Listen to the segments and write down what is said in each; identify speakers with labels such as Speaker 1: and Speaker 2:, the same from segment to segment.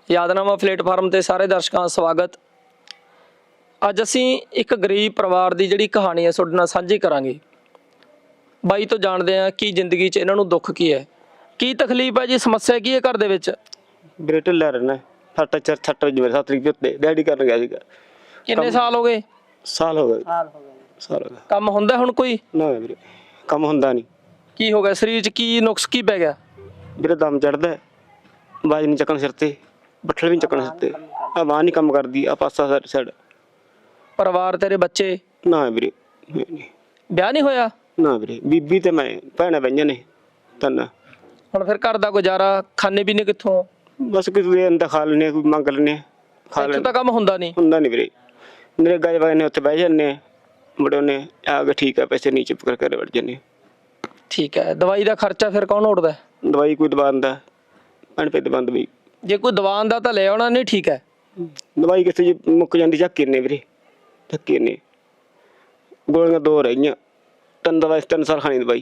Speaker 1: यादनामा platform ते सारे दर्शकों का स्वागत। अज असी एक गरीब परिवार की जिहड़ी कहानी है तुहाडे नाल सांझी करांगे। बाई तो जानते हैं कि जिंदगी च इन्हां नूं दुख की है, की तकलीफ है जी, समस्या की है घर दे विच?
Speaker 2: ਵੀਰੇ ਢਿੱਲਾ ਰਹਿਣਾ। ਸੱਟ ਵਜੇ ਮੇਰੇ 7 ਤਰੀਕ ਉੱਤੇ ਡੈਡੀ ਕਰਨ ਗਿਆ ਸੀਗਾ।
Speaker 1: किन्ने साल हो गए?
Speaker 2: ਸਾਲ ਹੋ ਗਿਆ। ਸਾਲ ਹੋ ਗਿਆ।
Speaker 1: ਕੰਮ ਹੁੰਦਾ ਹੁਣ ਕੋਈ?
Speaker 2: ਨਾ ਵੀਰੇ ਕੰਮ ਹੁੰਦਾ ਨਹੀਂ।
Speaker 1: ਕੀ ਹੋ ਗਿਆ ਸਰੀਰ 'ਚ, ਕੀ ਨੁਕਸ ਕੀ ਪੈ ਗਿਆ?
Speaker 2: ਵੀਰੇ ਦਮ ਚੜਦਾ, ਆਵਾਜ਼ ਨਹੀਂ ਚੱਕਣ ਸਿਰ ਤੇ, ਬੱਠਲ ਵੀ ਨਹੀਂ ਚੱਕਣ ਸਿਰ ਤੇ, ਆ ਬਾਂਹ ਨਹੀਂ ਕੰਮ ਕਰਦੀ, ਆ ਪਾਸਾ ਸਾਈਡ।
Speaker 1: ਪਰਿਵਾਰ ਤੇਰੇ ਬੱਚੇ?
Speaker 2: ਨਾ ਵੀਰੇ
Speaker 1: ਵਿਆਹ ਨਹੀਂ ਹੋਇਆ?
Speaker 2: ਨਾ ਵੀਰੇ ਬੀਬੀ ਤੇ ਮੈਂ ਭੈਣਾਂ ਬਈਆਂ ਨੇ ਤਿੰਨ।
Speaker 1: ਹੁਣ ਫਿਰ ਘਰ ਦਾ ਗੁਜ਼ਾਰਾ ਖਾਣੇ ਪੀਣੇ ਕਿੱਥੋਂ?
Speaker 2: ਬਸ ਕਿਸੇ ਦੇ ਅੰਦਰ ਖਾ ਲੈਣੇ, ਕੋਈ ਮੰਗ ਲੈਣੇ, ਖਾ
Speaker 1: ਇੱਥੋਂ
Speaker 2: ਲੈਣੇ।
Speaker 1: ਤਾਂ ਕੰਮ ਹੁੰਦਾ ਨਹੀਂ?
Speaker 2: ਹੁੰਦਾ ਨਹੀਂ ਵੀਰੇ। ਮੇਰੇ ਗਾਜ ਵਾਲੇ ਨੇ ਉੱਥੇ ਬਹਿ ਜਾਂਦੇ, ਮੁੰਡੇ ਨੇ ਆ ਕੇ ਠੀਕ ਆ, ਪੈਸੇ ਨਹੀਂ ਚੁੱਪ ਕਰਕੇ ਵੜ ਜਾਂਦੇ।
Speaker 1: ਠੀਕ ਹੈ। ਦਵਾਈ ਦਾ ਖਰਚਾ ਫਿਰ ਕੌਣ ਉੜਦਾ?
Speaker 2: ਦਵਾਈ ਕੋਈ ਦਵਾਨ ਦਾ ਭੈਣ ਪੇ ਦਵਾਨ ਦਵਾਈ,
Speaker 1: ਜੇ ਕੋਈ ਦਵਾਨ ਦਾ ਤਾਂ ਲੈ ਆਉਣਾ ਨਹੀਂ। ਠੀਕ ਹੈ।
Speaker 2: ਦਵਾਈ ਕਿਸੇ ਜੀ ਮੁੱਕ ਜਾਂਦੀ ਝੱਕੇ ਨੇ ਵੀਰੇ, ਝੱਕੇ ਨੇ। ਗੋਲੀਆਂ 2 ਰਹਿ ਗਈਆਂ, 3 ਦਵਾਈ 3 ਸਾਲ ਖਾਣੀ ਦਵਾਈ।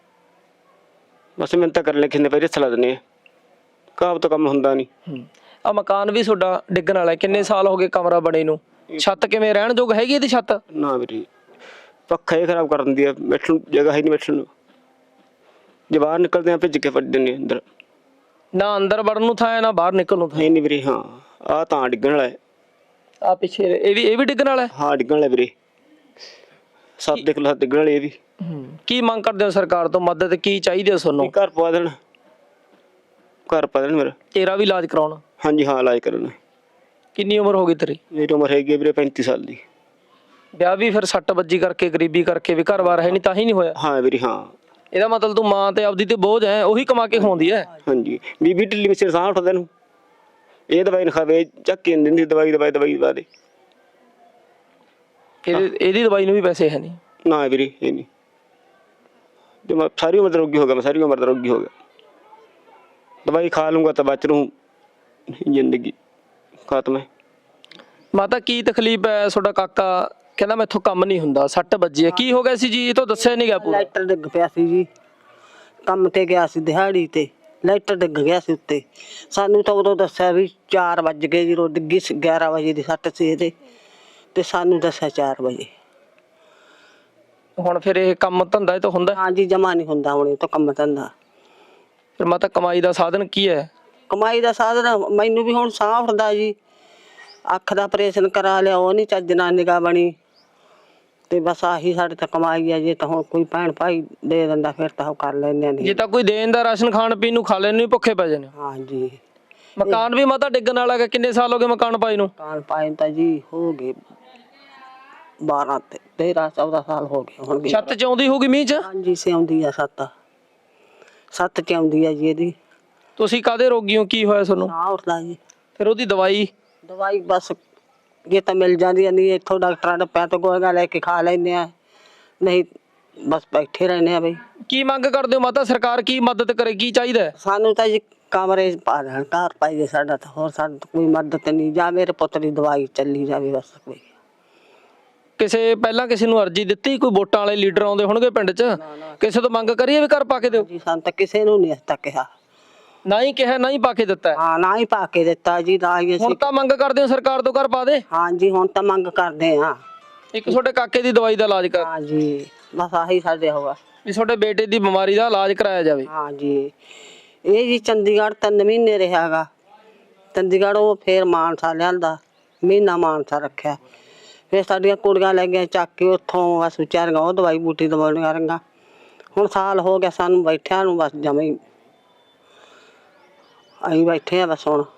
Speaker 2: ਬਸ ਮਿਹਨਤ ਤਾਂ ਕਰਨ ਲੱਗੇ ਨੇ ਪਹਿਲੇ ਸਲਾ ਦਿੰਦੇ ਆ, ਕਾਬ ਤੋਂ ਕੰਮ ਹੁੰਦਾ ਨਹੀਂ।
Speaker 1: ਆ ਮਕਾਨ ਵੀ ਤੁਹਾਡਾ ਡਿੱਗਣ ਵਾਲਾ ਹੈ, ਕਿੰਨੇ ਸਾਲ ਹੋ ਗਏ ਕਮਰਾ ਬਣੇ ਨੂੰ? ਛੱਤ ਕਿਵੇਂ ਰਹਿਣ ਯੋਗ ਹੈਗੀ ਇਹਦੀ ਛੱਤ?
Speaker 2: ਨਾ ਵੀਰੇ ਪੱਖਾ ਹੀ ਖਰਾਬ ਕਰ ਦਿੰਦੀ ਆ, ਬੈਠਣ ਨੂੰ ਜਗ੍ਹਾ ਹੀ ਨਹੀਂ ਬੈਠਣ ਨੂੰ। ਜੇ ਬਾਹਰ ਨਿਕਲਦੇ ਆ ਭਿੱਜ ਕੇ ਫੜ ਦਿੰਦੇ ਅੰਦਰ।
Speaker 1: ਨਾ ਅੰਦਰ ਵੜਨ ਨੂੰ ਥਾਂ ਹੈ, ਨਾ ਬਾਹਰ ਨਿਕਲਣ ਨੂੰ ਥਾਂ।
Speaker 2: ਨਹੀਂ ਵੀਰੇ। ਹਾਂ ਆ ਤਾਂ ਡਿੱਗਣ ਵਾਲਾ ਹੈ।
Speaker 1: ਆ ਪਿੱਛੇ ਇਹ ਵੀ ਡਿੱਗਣ ਵਾਲਾ ਹੈ?
Speaker 2: ਹਾਂ ਡਿੱਗਣ ਵਾਲਾ ਵੀਰੇ, 7 ਦੇਖ ਲਓ, ਡਿੱਗਣ ਵਾਲੇ ਇਹ ਵੀ।
Speaker 1: ਕੀ ਮੰਗ ਕਰਦੇ ਹੋ ਸਰਕਾਰ ਤੋਂ? ਮਦਦ ਕੀ ਚਾਹੀਦੀ ਹੈ ਤੁਹਾਨੂੰ?
Speaker 2: ਘਰ ਪਵਾ ਦੇਣ, ਘਰ ਪਾ ਦੇਣ ਮੇਰਾ।
Speaker 1: ਤੇਰਾ ਵੀ ਇਲਾਜ ਕਰਾਉਣਾ?
Speaker 2: ਹਾਂਜੀ ਹਾਂ ਇਲਾਜ ਕਰਨਾ।
Speaker 1: ਕਿੰਨੀ ਉਮਰ ਹੋ ਗਈ ਤੇਰੀ?
Speaker 2: ਮੇਰੀ ਉਮਰ ਹੈਗੀ ਵੀਰੇ 35 ਸਾਲ ਦੀ।
Speaker 1: ਵਿਆਹ ਵੀ ਫਿਰ ਸੱਟ ਵੱਜੀ ਕਰਕੇ, ਗਰੀਬੀ ਕਰਕੇ, ਵੀ ਘਰ-ਬਾਰ ਹੈ ਨਹੀਂ ਤਾਂ ਹੀ ਨਹੀਂ ਹੋਇਆ?
Speaker 2: ਹਾਂ ਵੀਰੇ। ਹਾਂ
Speaker 1: ਇਹਦਾ ਮਤਲਬ ਤੂੰ ਮਾਂ ਤੇ ਆਪਦੀ ਤੇ ਬੋਝ ਹੈ, ਉਹੀ ਕਮਾ ਕੇ ਖਵਾਉਂਦੀ ਹੈ।
Speaker 2: ਹਾਂਜੀ ਬੀਬੀ ਢਿੱਲੀ ਵਿੱਚ ਸਾਹ ਉੱਠਦਾ ਨੂੰ, ਇਹ ਦਵਾਈ ਨਾ ਖਾਵੇ, ਚੱਕ ਨਹੀਂ ਦਿੰਦੀ ਦਵਾਈ ਦਵਾ ਦੇ।
Speaker 1: ਇਹਦੀ ਦਵਾਈ ਨੂੰ ਵੀ ਪੈਸੇ ਹੈ ਨਹੀਂ?
Speaker 2: ਨਾ ਵੀਰੇ ਇਹ ਨਹੀਂ। ਜੇ ਮੈਂ ਸਾਰੀ ਉਮਰ ਦਾ ਰੋਗੀ ਹੋ ਗਿਆ, ਮੈਂ ਸਾਰੀ ਉਮਰ ਦਾ ਰੋਗੀ ਹੋ ਗਿਆ। ਦਵਾਈ ਖਾ ਲੂੰਗਾ ਤਾਂ ਬਚ ਲੂੰ, ਜ਼ਿੰਦਗੀ ਖਤਮ ਹੈ।
Speaker 1: ਮਾਤਾ ਕੀ ਤਕਲੀਫ ਹੈ? ਤੁਹਾਡਾ ਕਾਕਾ ਕਹਿੰਦਾ ਮੈਥੋਂ ਕੰਮ ਨਹੀਂ ਹੁੰਦਾ, ਸੱਟ ਵੱਜੀ ਹੈ, ਕੀ ਹੋ ਗਿਆ ਸੀ ਜੀ? ਇਹ ਤਾਂ ਦੱਸਿਆ ਨਹੀਂ ਗਿਆ ਪੂਰਾ।
Speaker 3: ਲਾਈਟਰ ਡਿੱਗ ਪਿਆ ਸੀ ਜੀ, ਕੰਮ ਤੇ ਗਿਆ ਸੀ ਦਿਹਾੜੀ ਤੇ, ਲਾਈਟਰ ਡਿੱਗ ਗਿਆ ਸੀ ਉੱਤੇ। ਸਾਨੂੰ ਤਾਂ ਉਦੋਂ ਦੱਸਿਆ ਵੀ 4 ਵੱਜ ਗਏ, ਜਦੋਂ ਡਿੱਗੀ 11 ਵਜੇ ਦੀ ਸੱਟ ਸੀ ਇਹਦੇ, ਤੇ ਸਾਨੂੰ ਦੱਸਿਆ 4 ਵਜੇ।
Speaker 1: ਹੁਣ ਫਿਰ ਇਹ ਕੰਮ ਧੰਦਾ ਇਹ ਤਾਂ ਹੁੰਦਾ?
Speaker 3: ਹਾਂਜੀ ਜਮਾ ਨਹੀਂ ਹੁੰਦਾ ਹੁਣ ਇਹ ਤਾਂ ਕੰਮ ਧੰਦਾ।
Speaker 1: ਫਿਰ ਮਾਤਾ ਕਮਾਈ ਦਾ ਸਾਧਨ ਕੀ ਹੈ?
Speaker 3: ਕਮਾਈ ਦਾ ਸਾਧਨ ਮੈਨੂੰ ਵੀ ਹੁਣ ਸਾਹ ਉੱਠਦਾ ਜੀ, ਅੱਖ ਦਾ ਆਪਰੇਸ਼ਨ ਕਰਾ ਲਿਆ, ਉਹ ਨਹੀਂ ਚੱਜ ਨਾਲ ਨਿਗਾਹ ਬਣੀ, ਤੇ ਬਸ ਆਹੀ ਸਾਡੇ ਤਾਂ ਕਮਾਈ ਆ। ਜੇ ਤਾਂ ਹੁਣ ਕੋਈ ਭੈਣ ਭਾਈ ਦੇ ਦਿੰਦਾ ਫਿਰ ਤਾਂ ਉਹ ਕਰ ਲੈਂਦੇ ਆ।
Speaker 1: ਜੇ ਤਾਂ ਕੋਈ ਦੇਣ ਦਾ ਰਾਸ਼ਨ ਖਾਣ ਪੀਣ ਨੂੰ ਖਾ ਲੈਣ ਨੂੰ ਭੁੱਖੇ ਪੈ ਜਾਣੇ।
Speaker 3: ਹਾਂਜੀ
Speaker 1: ਮਕਾਨ ਵੀ ਮਾਤਾ ਡਿੱਗਣ ਵਾਲਾ ਹੈ, ਕਿੰਨੇ ਸਾਲ ਹੋ ਗਏ ਮਕਾਨ ਪਾਈ ਨੂੰ?
Speaker 3: ਕਾਨ ਪਾਏ ਤਾਂ ਜੀ ਹੋ ਗਏ 12 ਤੇ 13 14 ਸਾਲ ਹੋ ਗਏ ਹੋਣਗੇ।
Speaker 1: ਛੱਤ ਚ ਆਉਂਦੀ ਹੋਊਗੀ ਮੀਂਹ ਚ?
Speaker 3: ਹਾਂਜੀ ਸਿਆਉਂਦੀ ਆ, 7 ਚ ਆਉਂਦੀ ਆ ਜੀ ਇਹਦੀ।
Speaker 1: ਤੁਸੀਂ ਕਾਹਦੇ ਰੋਗੀ ਹੋ? ਕੀ ਹੋਇਆ ਤੁਹਾਨੂੰ?
Speaker 3: ਸਾਹ ਉੱਠਦਾ ਜੀ।
Speaker 1: ਫਿਰ ਉਹਦੀ
Speaker 3: ਦਵਾਈ ਬਸ ਜੇ ਤਾਂ ਮਿਲ ਜਾਂਦੀ ਆ, ਨਹੀਂ ਇੱਥੋਂ ਡਾਕਟਰਾਂ ਦੇ ਪੈ ਤੋਂ ਗੋਲੀਆਂ ਲੈ ਕੇ ਖਾ ਲੈਂਦੇ ਆ, ਨਹੀਂ ਬਸ ਬੈਠੇ ਰਹਿੰਦੇ ਆ। ਬਈ
Speaker 1: ਕੀ ਮੰਗ ਕਰਦੇ ਹੋ ਮਾਤਾ? ਸਰਕਾਰ ਕੀ ਮਦਦ ਕਰੇ? ਕੀ ਚਾਹੀਦਾ ਹੈ?
Speaker 3: ਸਾਨੂੰ ਤਾਂ ਜੀ ਕਮਰੇ ਪਾ ਦੇਣ, ਘਰ ਪਾਈਏ ਸਾਡਾ, ਤਾਂ ਹੋਰ ਸਾਨੂੰ ਕੋਈ ਮਦਦ ਨਹੀਂ। ਜਾਂ ਮੇਰੇ ਪੁੱਤ ਦੀ ਦਵਾਈ ਚੱਲੀ ਜਾਵੇ ਬਸ। ਕੋਈ
Speaker 1: ਪਹਿਲਾਂ ਕਿਸੇ ਨੂੰ ਅਰਜੀ ਦਿੱਤੀ? ਕੋਈ ਵੋਟਾਂ ਵਾਲੇ ਲੀਡਰ ਆਉਂਦੇ ਹੋਣਗੇ ਪਿੰਡ 'ਚ, ਕਿਸੇ ਤੋਂ ਮੰਗ ਕਰੀਏ ਵੀ ਘਰ ਪਾ ਕੇ ਦਿਓ?
Speaker 3: ਜੀ ਸਾਨੂੰ ਤਾਂ ਕਿਸੇ ਨੂੰ ਨਹੀਂ ਤੱਕ ਕਿਹਾ।
Speaker 1: ਨਾ ਹੀ ਕਿਹਾ, ਨਾ ਹੀ ਪਾ ਕੇ ਦਿੱਤਾ?
Speaker 3: ਹਾਂ ਨਾ ਹੀ ਪਾ ਕੇ ਦਿੱਤਾ ਜੀ, ਨਾ ਹੀ
Speaker 1: ਹੁਣ
Speaker 3: ਅਸੀਂ।
Speaker 1: ਤਾਂ ਮੰਗ ਕਰਦੇ ਹੋ ਸਰਕਾਰ ਤੋਂ ਘਰ ਪਾ ਦੇ?
Speaker 3: ਹਾਂਜੀ ਹੁਣ ਤਾਂ ਮੰਗ ਕਰਦੇ ਆ।
Speaker 1: ਇੱਕ ਤੁਹਾਡੇ ਕਾਕੇ ਦੀ ਦਵਾਈ ਦਾ ਇਲਾਜ ਕਰ,
Speaker 3: ਹਾਂਜੀ ਬਸ ਆਹੀ ਸਾਡੇ ਹੋਗਾ
Speaker 1: ਵੀ ਤੁਹਾਡੇ ਬੇਟੇ ਦੀ ਬਿਮਾਰੀ ਦਾ ਇਲਾਜ ਕਰਾਇਆ ਜਾਵੇ।
Speaker 3: ਹਾਂਜੀ ਇਹ ਜੀ ਚੰਡੀਗੜ੍ਹ 3 ਮਹੀਨੇ ਰਿਹਾਗਾ। ਚੰਡੀਗੜ੍ਹ ਉਹ ਫੇਰ ਮਾਨਸਾ ਲਿਆਂਦਾ, ਮਹੀਨਾ ਮਾਨਸਾ ਰੱਖਿਆ। ਫਿਰ ਸਾਡੀਆਂ ਕੁੜੀਆਂ ਲੈ ਗਈਆਂ ਚੱਕ ਕੇ ਉੱਥੋਂ, ਬਸ ਵਿਚਾਰੀਆਂ ਉਹ ਦਵਾਈ ਬੂਟੀ ਦਵਾਉਣੀਆਂ ਰਹੀਆਂ। ਹੁਣ ਸਾਲ ਹੋ ਗਿਆ ਸਾਨੂੰ ਬੈਠਿਆਂ ਨੂੰ, ਬਸ ਜਮਾਂ ਹੀ ਅਸੀਂ ਬੈਠੇ ਆ ਬਸ ਹੁਣ।